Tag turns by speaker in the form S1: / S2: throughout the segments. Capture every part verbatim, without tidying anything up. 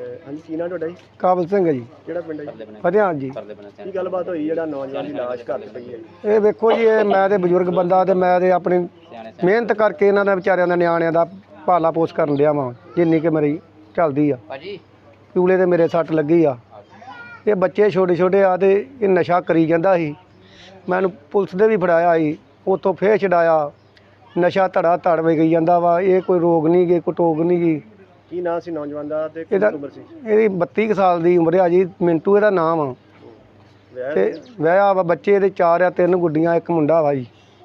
S1: ਹਾਂਜੀ ਕੀ ਨਾਮ ਤੁਹਾਡਾ ਜੀ?
S2: ਕਾਬਲ ਸਿੰਘ ਹੈ ਜੀ।
S1: ਕਿਹੜਾ ਪਿੰਡ ਹੈ ਜੀ?
S2: ਫਤਿਆਣ ਜੀ।
S1: ਕੀ ਗੱਲਬਾਤ ਹੋਈ ਜਿਹੜਾ ਨੌਜਵਾਨ ਦੀ ਲਾਸ਼ ਘਰ 'ਚ ਪਈ ਹੈ?
S2: ਇਹ ਵੇਖੋ ਜੀ, ਇਹ ਮੈਂ ਤੇ ਬਜ਼ੁਰਗ ਬੰਦਾ ਤੇ ਮੈਂ ਤੇ ਆਪਣੀ ਮਿਹਨਤ ਕਰਕੇ ਇਹਨਾਂ ਦਾ ਵਿਚਾਰਿਆਂ ਦਾ ਨਿਆਣਿਆਂ ਦਾ ਪਾਲਾ ਪੋਸ ਕਰਨ ਲਿਆ ਵਾਂ ਜਿੰਨੀ ਕਿ ਮੇਰੀ ਚੱਲਦੀ ਆ। ਚੂਲੇ ਤੇ ਮੇਰੇ ਸੱਟ ਲੱਗੀ ਆ। ਇਹ ਬੱਚੇ ਛੋਟੇ ਛੋਟੇ ਆ ਤੇ ਇਹ ਨਸ਼ਾ ਕਰੀ ਜਾਂਦਾ ਸੀ। ਮੈਨੂੰ ਪੁਲਿਸ ਦੇ ਵੀ ਫੜਾਇਆ ਸੀ, ਉੱਥੋਂ ਫੇਰ ਛਡਾਇਆ। ਨਸ਼ਾ ਧੜਾ ਧੜ ਵੇ ਗਈ ਜਾਂਦਾ ਵਾ। ਇਹ ਕੋਈ ਰੋਗ ਨਹੀਂ ਗੇ, ਕੋਈ ਟੋਗ ਨਹੀਂ ਗੀ।
S1: ਕੀ ਨਾਂ ਸੀ ਨੌਜਵਾਨ ਦਾ ਤੇ
S2: ਇਹਦਾ
S1: ਕਿੰਨੀ ਉਮਰ ਸੀ?
S2: ਇਹਦੀ ਬੱਤੀ ਕੁ ਸਾਲ ਦੀ ਉਮਰ ਆ ਜੀ। ਮਿੰਟੂ ਇਹਦਾ ਨਾਮ ਆ
S1: ਵਿਆਹ
S2: ਤੇ ਵਿਆਹ ਵਾ। ਬੱਚੇ ਇਹਦੇ ਚਾਰ ਆ, ਤਿੰਨ ਗੁੱਡੀਆਂ ਇੱਕ ਮੁੰਡਾ ਵਾ ਜੀ।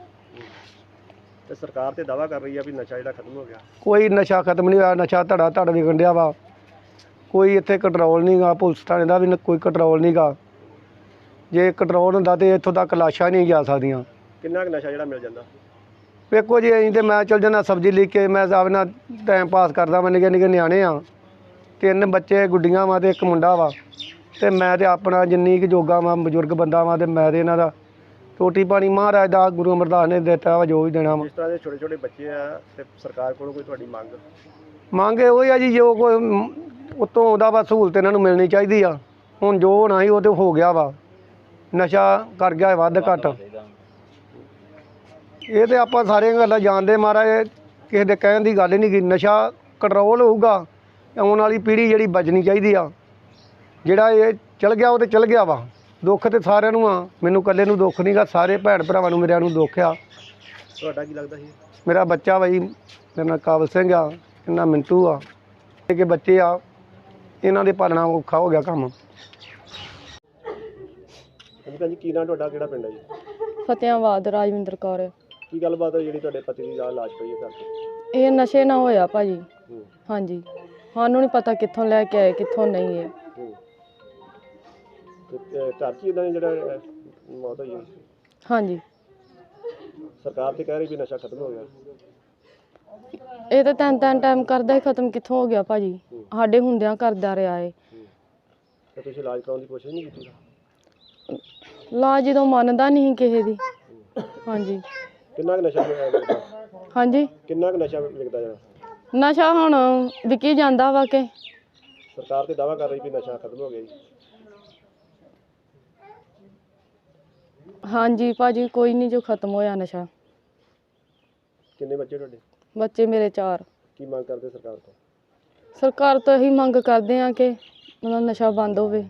S1: ਤੇ ਸਰਕਾਰ ਤੇ ਦਾਅਵਾ ਕਰ ਰਹੀ ਆ ਵੀ ਨਸ਼ਾ ਜਿਹੜਾ ਖਤਮ ਹੋ ਗਿਆ।
S2: ਕੋਈ ਨਸ਼ਾ ਖਤਮ ਨਹੀਂ ਹੋਇਆ। ਨਸ਼ਾ ਧੜਾ ਧੜ ਵਿਕਣ ਡਿਆ ਵਾ। ਕੋਈ ਇੱਥੇ ਕੰਟਰੋਲ ਨਹੀਂ ਗਾ। ਪੁਲਿਸ ਥਾਣੇ ਦਾ ਵੀ ਨ- ਕੋਈ ਕੰਟਰੋਲ ਨਹੀਂ ਗਾ। ਜੇ ਕੰਟਰੋਲ ਹੁੰਦਾ ਤੇ ਇੱਥੋਂ ਤੱਕ ਲਾਸ਼ਾਂ ਨਹੀਂ ਜਾ ਸਕਦੀਆਂ।
S1: ਕਿੰਨਾ ਕੁ ਨਸ਼ਾ ਜਿਹੜਾ ਮਿਲ ਜਾਂਦਾ?
S2: ਵੇਖੋ ਜੀ, ਅਸੀਂ ਤੇ ਮੈਂ ਚਲ ਜਾਂਦਾ ਸਬਜ਼ੀ ਲੈ ਕੇ, ਮੈਂ ਸਭ ਨਾਲ ਟਾਈਮ ਪਾਸ ਕਰਦਾ। ਮੈਂ ਨਿੱਕੇ ਨਿੱਕੇ ਨਿਆਣੇ ਆ, ਤਿੰਨ ਬੱਚੇ ਗੁੱਡੀਆਂ ਵਾ ਤੇ ਇੱਕ ਮੁੰਡਾ ਵਾ। ਤੇ ਮੈਂ ਤੇ ਆਪਣਾ ਜਿੰਨੀ ਕੁ ਜੋਗਾ ਵਾ, ਬਜ਼ੁਰਗ ਬੰਦਾ ਵਾ ਤੇ ਮੈਂ ਤੇ ਇਹਨਾਂ ਦਾ ਰੋਟੀ ਪਾਣੀ ਮਹਾਰਾਜ ਦਾ ਗੁਰੂ ਅਮਰਦਾਸ ਨੇ ਦਿੱਤਾ ਵਾ, ਜੋ ਵੀ ਦੇਣਾ ਵਾ।
S1: ਜਿਸ ਤਰ੍ਹਾਂ ਦੇ ਛੋਟੇ ਛੋਟੇ ਬੱਚੇ ਆ ਤੇ ਸਰਕਾਰ ਕੋਲੋਂ ਕੋਈ ਤੁਹਾਡੀ ਮੰਗ?
S2: ਮੰਗ ਇਹੋ ਹੀ ਆ ਜੀ, ਜੋ ਕੋਈ ਉੱਤੋਂ ਆਉਂਦਾ ਵਾ ਸਹੂਲਤ ਇਹਨਾਂ ਨੂੰ ਮਿਲਣੀ ਚਾਹੀਦੀ ਆ। ਹੁਣ ਜੋ ਹੋਣਾ ਸੀ ਉਹ ਤੇ ਹੋ ਗਿਆ ਵਾ। ਨਸ਼ਾ ਕਰ ਗਿਆ ਵੱਧ ਘੱਟ। ਇਹ ਤੇ ਆਪਾਂ ਸਾਰੀਆਂ ਗੱਲਾਂ ਜਾਣਦੇ। ਮਹਾਰਾਜ ਕਿਸੇ ਦੇ ਕਹਿਣ ਦੀ ਗੱਲ ਹੀ ਨਹੀਂ ਗੀ। ਨਸ਼ਾ ਕੰਟਰੋਲ ਹੋਊਗਾ, ਆਉਣ ਵਾਲੀ ਪੀੜ੍ਹੀ ਜਿਹੜੀ ਬਚਣੀ ਚਾਹੀਦੀ ਆ। ਜਿਹੜਾ ਇਹ ਚਲ ਗਿਆ ਉਹ ਤੇ ਚਲ ਗਿਆ ਵਾ। ਦੁੱਖ ਤੇ ਸਾਰਿਆਂ ਨੂੰ ਆ, ਮੈਨੂੰ ਇਕੱਲੇ ਨੂੰ ਦੁੱਖ ਨਹੀਂ ਗਾ। ਸਾਰੇ ਭੈਣ ਭਰਾਵਾਂ ਨੂੰ ਮੇਰਿਆਂ ਨੂੰ ਦੁੱਖ ਆ।
S1: ਤੁਹਾਡਾ ਕੀ ਲੱਗਦਾ ਸੀ?
S2: ਮੇਰਾ ਬੱਚਾ ਵਾ ਜੀ, ਮੇਰਾ ਨਾਂ ਕਾਬਲ ਸਿੰਘ ਆ, ਇਹਨਾਂ ਮਿੰਟੂ ਆ। ਇਹ ਕਿ ਬੱਚੇ ਆ, ਇਹਨਾਂ ਦੇ ਪਾਲਣਾ ਔਖਾ ਹੋ ਗਿਆ ਕੰਮ।
S1: ਹਾਂਜੀ ਭੈਣ ਜੀ ਕੀ ਨਾਂ ਤੁਹਾਡਾ? ਕਿਹੜਾ ਪਿੰਡ ਹੈ ਜੀ?
S3: ਫਤਿਆਬਾਦ ਰਾਜਵਿੰਦਰ ਕੌਰ।
S1: ਕੀ ਗੱਲਬਾਤ ਹੋਈ ਜਿਹੜੀ ਤੁਹਾਡੇ ਪਤੀ ਦੀ ਨਾਲ ਲਾਸ਼ ਪਈ ਹੈ ਘਰ 'ਚ?
S3: ਇਹ ਨਸ਼ੇ ਨਾ ਹੋਇਆ ਭਾਜੀ।
S1: ਹੂੰ
S3: ਹਾਂਜੀ, ਸਾਨੂੰ ਨਹੀਂ ਪਤਾ ਕਿੱਥੋਂ ਲੈ ਕੇ ਆਏ ਕਿੱਥੋਂ ਨਹੀਂ ਹੈ।
S1: ਹੂੰ ਤੇ ਅਹ, ਘਰ 'ਚ ਹੀ ਇਦਾਂ ਜਿਹੜਾ ਅਹ, ਮੌਤ ਹੋਈ ਹੈ?
S3: ਹਾਂਜੀ,
S1: ਸਰਕਾਰ ਤੇ ਕਹਿ ਰਹੀ ਵੀ ਨਸ਼ਾ ਖਤਮ ਹੋ ਗਿਆ।
S3: ਇਹ ਤਾਂ ਤਿੰਨ ਤਿੰਨ ਟਾਈਮ ਕਰਦਾ ਹੀ ਖਤਮ ਕਿੱਥੋਂ ਹੋ ਗਿਆ ਭਾਜੀ। ਸਾਡੇ ਹੁੰਦਿਆਂ ਕਰਦਾ ਰਿਹਾ ਏ।
S1: ਤੇ ਤੁਸੀਂ ਇਲਾਜ ਕਰਾਉਣ ਦੀ ਕੋਸ਼ਿਸ਼ ਨਹੀਂ ਕੀਤੀ?
S3: ਲਾ ਜਦੋਂ ਮੰਨਦਾ ਨਹੀਂ ਕਿਸੇ ਦੀ। ਹਾਂਜੀ
S1: ਕਿੰਨਾ ਕੁ ਨਸ਼ਾ ਵਿਕਦਾ?
S3: ਹਾਂਜੀ,
S1: ਕਿੰਨਾ ਕੁ ਨਸ਼ਾ ਵਿਕਦਾ ਜਿਹੜਾ?
S3: ਨਸ਼ਾ ਹੁਣ ਵਿਕੀ ਜਾਂਦਾ ਵਾ ਕਿ
S1: ਸਰਕਾਰ ਤੇ ਦਾਅਵਾ ਕਰ ਰਹੀ ਵੀ ਨਸ਼ਾ ਖਤਮ ਹੋ ਗਿਆ ਜੀ।
S3: ਹਾਂਜੀ ਭਾਜੀ, ਕੋਈ ਨਹੀਂ ਜੋ ਖਤਮ ਹੋਇਆ ਨਸ਼ਾ।
S1: ਕਿੰਨੇ ਬੱਚੇ ਤੁਹਾਡੇ?
S3: ਬੱਚੇ ਮੇਰੇ ਚਾਰ।
S1: ਕੀ ਮੰਗ ਕਰਦੇ ਸਰਕਾਰ ਤੋਂ?
S3: ਸਰਕਾਰ ਤੋਂ ਇਹੀ ਮੰਗ ਕਰਦੇ ਆ ਕਿ ਮਤਲਬ ਨਸ਼ਾ ਬੰਦ ਹੋਵੇ।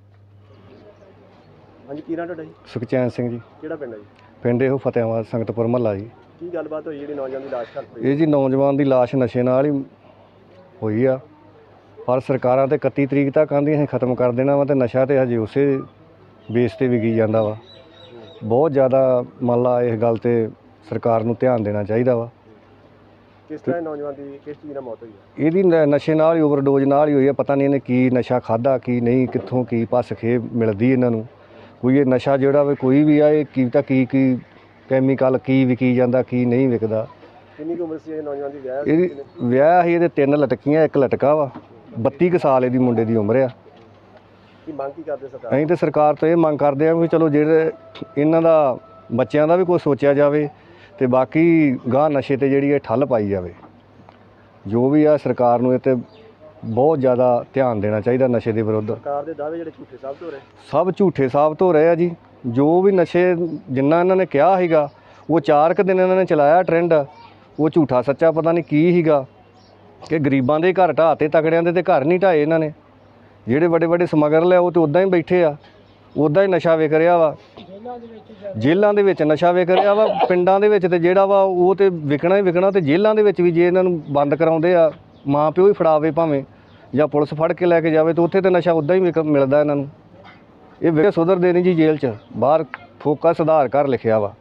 S1: ਹਾਂਜੀ ਕੀ ਨਾਂ ਤੁਹਾਡਾ ਜੀ?
S2: ਸੁਖਚੈਨ ਸਿੰਘ ਜੀ।
S1: ਕਿਹੜਾ ਪਿੰਡ ਹੈ ਜੀ?
S2: ਪਿੰਡ ਇਹੋ ਫਤਿਆਬਾਦ ਸੰਗਤਪੁਰ ਮਹੱਲਾ ਜੀ।
S1: ਕੀ ਗੱਲਬਾਤ ਹੋਈ ਜਿਹੜੀ ਨੌਜਵਾਨ ਦੀ ਲਾਸ਼ ਘਰ ਪਈ?
S2: ਇਹ ਜੀ ਨੌਜਵਾਨ ਦੀ ਲਾਸ਼ ਨਸ਼ੇ ਨਾਲ ਹੀ ਹੋਈ ਆ। ਪਰ ਸਰਕਾਰਾਂ ਤੇ ਇਕੱਤੀ ਤਰੀਕ ਤੱਕ ਆਂਦੀਆਂ ਅਸੀਂ ਖਤਮ ਕਰ ਦੇਣਾ ਵਾ ਤੇ ਨਸ਼ਾ ਤੇ ਹਜੇ ਉਸੇ ਬੇਸ ਤੇ ਵਿਕੀ ਜਾਂਦਾ ਵਾ। ਬਹੁਤ ਜ਼ਿਆਦਾ ਮੰਨ ਲਾ ਇਸ ਗੱਲ ਤੇ ਸਰਕਾਰ ਨੂੰ ਧਿਆਨ ਦੇਣਾ ਚਾਹੀਦਾ ਵਾ।
S1: ਕਿਸ ਤਰ੍ਹਾਂ ਇਹ ਨੌਜਵਾਨ ਦੀ ਕਿਸ ਚੀਜ਼ ਨਾਲ ਮੌਤ ਹੋਈ ਹੈ?
S2: ਇਹਦੀ ਨ- ਨਸ਼ੇ ਨਾਲ ਹੀ ਓਵਰਡੋਜ਼ ਨਾਲ ਹੀ ਹੋਈ ਆ। ਪਤਾ ਨਹੀਂ ਇਹਨੇ ਕੀ ਨਸ਼ਾ ਖਾਦਾ ਕੀ ਨਹੀਂ, ਕਿੱਥੋਂ ਕੀ ਭੱਸ ਖੇਬ ਮਿਲਦੀ ਇਹਨਾਂ ਨੂੰ। ਕੋਈ ਇਹ ਨਸ਼ਾ ਜਿਹੜਾ ਵਾ ਕੋਈ ਵੀ ਆ, ਇਹ ਕੀ ਤਾਂ ਕੀ ਕੀ ਕੈਮੀਕਲ ਕੀ ਵਿਕੀ ਜਾਂਦਾ ਕੀ ਨਹੀਂ ਵਿਕਦਾ।
S1: ਕਿੰਨੀ ਕੁ ਉਮਰ ਸੀ ਇਹ ਨੌਜਵਾਨ ਦੀ? ਵਿਆਹ ਸੀ
S2: ਇਹਦੀ
S1: ਕਿੰਨੇ?
S2: ਵਿਆਹ ਸੀ, ਇਹਦੇ ਤਿੰਨ ਲਟਕੀਆਂ ਇੱਕ ਲਟਕਾ ਵਾ। ਬੱਤੀ ਕੁ ਸਾਲ ਇਹਦੀ ਮੁੰਡੇ ਦੀ ਉਮਰ ਆ।
S1: ਕੀ ਮੰਗ ਕੀ ਕਰਦੇ ਸਰਕਾਰ?
S2: ਅਸੀਂ ਤੇ ਸਰਕਾਰ ਤੋਂ ਇਹ ਮੰਗ ਕਰਦੇ ਹਾਂ ਵੀ ਚਲੋ ਜਿਹੜੇ ਇਹਨਾਂ ਦਾ ਬੱਚਿਆਂ ਦਾ ਵੀ ਕੋਈ ਸੋਚਿਆ ਜਾਵੇ ਤੇ ਬਾਕੀ ਗਾਹ ਨਸ਼ੇ ਤੇ ਜਿਹੜੀ ਇਹ ਠੱਲ ਪਾਈ ਜਾਵੇ। ਜੋ ਵੀ ਆ ਸਰਕਾਰ ਨੂੰ ਇਹ ਤੇ ਬਹੁਤ ਜ਼ਿਆਦਾ ਧਿਆਨ ਦੇਣਾ ਚਾਹੀਦਾ ਨਸ਼ੇ ਦੇ ਵਿਰੁੱਧ।
S1: ਸਰਕਾਰ ਦੇ ਦਾਅਵੇ ਜਿਹੜੇ ਝੂਠੇ ਸਾਬਤ ਹੋ ਰਹੇ?
S2: ਸਭ ਝੂਠੇ ਸਾਬਤ ਹੋ ਰਹੇ ਆ ਜੀ। ਜੋ ਵੀ ਨਸ਼ੇ ਜਿੰਨਾ ਇਹਨਾਂ ਨੇ ਕਿਹਾ ਸੀਗਾ ਉਹ ਚਾਰ ਕੁ ਦਿਨ ਇਹਨਾਂ ਨੇ ਚਲਾਇਆ ਟ੍ਰੈਂਡ, ਉਹ ਝੂਠਾ ਸੱਚਾ ਪਤਾ ਨਹੀਂ ਕੀ ਸੀਗਾ ਕਿ ਗਰੀਬਾਂ ਦੇ ਘਰ ਢਾਹ ਤੇ ਤਕੜਿਆਂ ਦੇ ਤੇ ਘਰ ਨਹੀਂ ਢਾਏ ਇਹਨਾਂ ਨੇ। ਜਿਹੜੇ ਵੱਡੇ ਵੱਡੇ ਸਮਗਲਰ ਆ ਉਹ ਤੇ ਉੱਦਾਂ ਹੀ ਬੈਠੇ ਆ, ਉੱਦਾਂ ਹੀ ਨਸ਼ਾ ਵਿਕ ਰਿਹਾ ਵਾ। ਜੇਲ੍ਹਾਂ ਦੇ ਵਿੱਚ ਨਸ਼ਾ ਵਿਕ ਰਿਹਾ ਵਾ। ਪਿੰਡਾਂ ਦੇ ਵਿੱਚ ਤੇ ਜਿਹੜਾ ਵਾ ਉਹ ਤੇ ਵਿਕਣਾ ਹੀ ਵਿਕਣਾ। ਤੇ ਜੇਲ੍ਹਾਂ ਦੇ ਵਿੱਚ ਵੀ ਜੇ ਇਹਨਾਂ ਨੂੰ ਬੰਦ ਕਰਾਉਂਦੇ ਆ, ਮਾਂ ਪਿਓ ਹੀ ਫੜਾਵੇ ਭਾਵੇਂ ਜਾਂ ਪੁਲਿਸ ਫੜ ਕੇ ਲੈ ਕੇ ਜਾਵੇ, ਤਾਂ ਉੱਥੇ ਤੇ ਨਸ਼ਾ ਉੱਦਾਂ ਹੀ ਵਿਕ ਮਿਲਦਾ ਇਹਨਾਂ ਨੂੰ। ਇਹ ਵੇ ਸੁਧਰਦੇ ਨਹੀਂ ਜੀ। ਜੇਲ੍ਹ 'ਚ ਬਾਹਰ ਫੋਕਾ ਸੁਧਾਰ ਘਰ ਲਿਖਿਆ ਵਾ।